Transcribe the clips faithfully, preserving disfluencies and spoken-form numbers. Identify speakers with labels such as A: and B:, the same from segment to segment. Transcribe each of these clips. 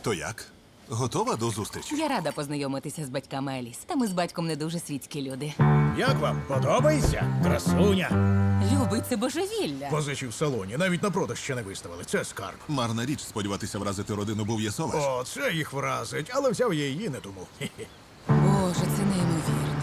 A: То як? Готова до зустрічі?
B: Я рада познайомитися з батьками Еліс. Та ми з батьком не дуже світські люди.
C: Як вам? Подобається? Красуня.
B: Любий, це божевілля.
C: Позичі в салоні, навіть на продаж ще не виставили. Це скарб.
A: Марна річ сподіватися вразити родину Бов'єсоваш.
C: О, це їх вразить, але взяв я її не тому. Хе-хе.
B: Боже, це неймовірно.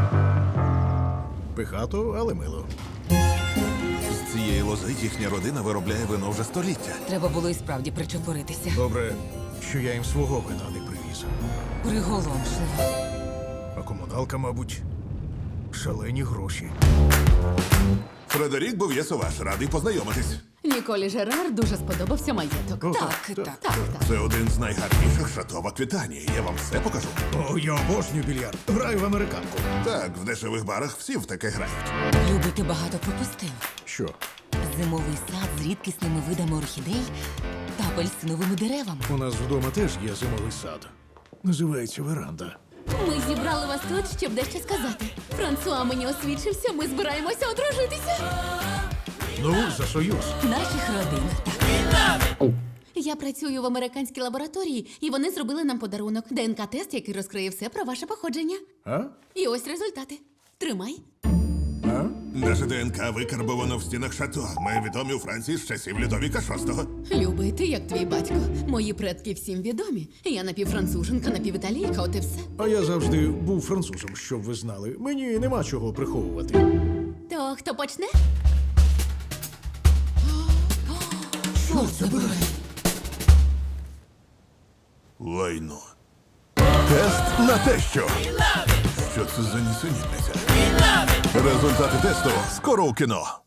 C: Пихато, але мило.
A: З цієї лози їхня родина виробляє вино вже століття.
B: Треба було і справді причепуритися.
C: Добре, що я їм свого вина не привіз.
B: Приголомшливо.
C: А комуналка, мабуть, шалені гроші.
A: Фредерік Бов'єсоваш, радий познайомитись.
D: Ніколі Жерар дуже сподобався маєток.
C: О,
B: Так, так.
D: Так, так.
A: Це один з найгарніших шато в Аквітанії. Я вам все покажу.
C: О, я обожнюю більярд. Граю в американку.
A: Так, в дешевих барах всі в таке грають.
B: Любий, ти багато пропустив.
C: Що?
B: Зимовий сад з рідкісними видами орхідей та апельсиновими деревами.
C: У нас вдома теж є зимовий сад. Називається веранда.
D: Ми зібрали вас тут, щоб дещо сказати. Франсуа мені освідчився, ми збираємося одружитися.
C: Ну, за союз.
B: Наших родин. Так.
D: Я працюю в американській лабораторії, і вони зробили нам подарунок. ДНК-тест, який розкриє все про ваше походження.
C: А?
D: І ось результати. Тримай.
C: А?
A: Наше ДНК викарбовано в стінах шато. Ми відомі у Франції з часів Людовіка шостого.
D: Любий, ти як твій батько. Мої предки всім відомі. Я напівфранцуженка, напівіталійка, от і все.
C: А я завжди був французом, щоб ви знали. Мені нема чого приховувати.
D: То хто почне?
C: Що це буде?
A: Лайно. Тест на те, що. Що це за нісенітниця? Результати тесту скоро у кіно.